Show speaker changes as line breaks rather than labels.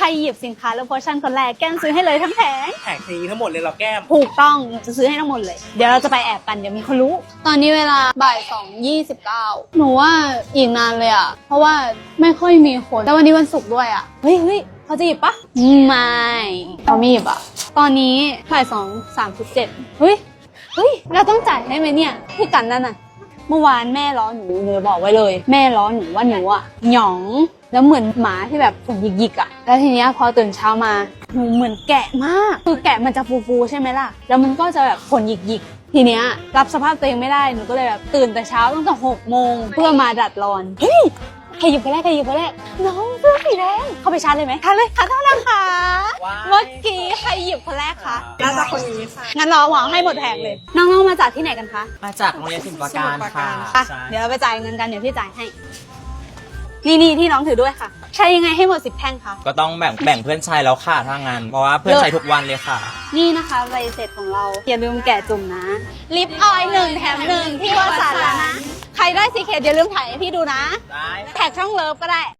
รหยิบสินค้าแล้วโพชั่นคนแรกแก้มซื้อให้เลยทั้งแผง
แผงนี้ทั้งหมดเลยเราแก้ม
ถูกต้องจะซื้อให้ทั้งหมดเลยเดี๋ยวเราจะไปแอบกันเดี๋ยวมีคนรู้ตอนนี้เวลาบ่าย2:29หนูว่าอีกนานเลยอ่ะเพราะว่าไม่ค่อยมีคนแต่วันนี้วันศุกร์ด้วยอ่ะเฮ้ยเขาจะหยิบปะไม่เขาไม่หยิบอ่ะตอนนี้บ่าย2:37เฮ้ยเราต้องจ่ายได้ไหมเนี่ยพี่กันนั่นน่ะเมื่อวานแม่ล้อหนูบอกไว้เลยแม่ล้อหนูว่าหนูอ่ะหยองแล้วเหมือนหมาที่แบบผมหยิกๆอ่ะแล้วทีเนี้ยพอตื่นเช้ามาหนูเหมือนแกะมากคือแกะมันจะฟูๆใช่ไหมล่ะแล้วมันก็จะแบบขนหยิกๆทีเนี้ยรับสภาพตัวเองไม่ได้หนูก็เลยแบบตื่นแต่เช้าตั้งแต่6 โมงเพื่อมาดัดรอนเฮ้ยใครหยิบคนแรกน้องเสื้อสีแดงเข้าไปชาร์จเลยไหมชาร์จเลยค่ะเท่านั้นค่ะเมื่อกี้ใครหยิบคนแรกคะน่าจะคนนี้ค่ะงั้นเราหวังให้หมดแผงเลยน้องๆมาจากที่ไหนกันคะ
มาจากโรงเรียนศิลปาการค่ะ
อ่ะ
ใช่
เดี๋ยวเราไปจ่ายเงินกันเดี๋ยวพี่จ่ายให้นี่ที่น้องถือด้วยค่ะใช้ยังไงให้หมด10 แท่งคะ
ก็ต้องแบ่งเพื่อนใช้แล้วค่ะถ้างั้นเพราะว่าเพื่อนใช้ทุกวันเลยค่ะ
นี่นะคะใบเสร็จของเราอย่าลืมแกะจุ่มนะลิปออยล์1 แถม 1ที่วสันต์แล้วนะใครได้ซีเคทอย่าลืมถ่ายให้พี่ดูนะ
ได้
แท็กช่องเลิฟก็ได้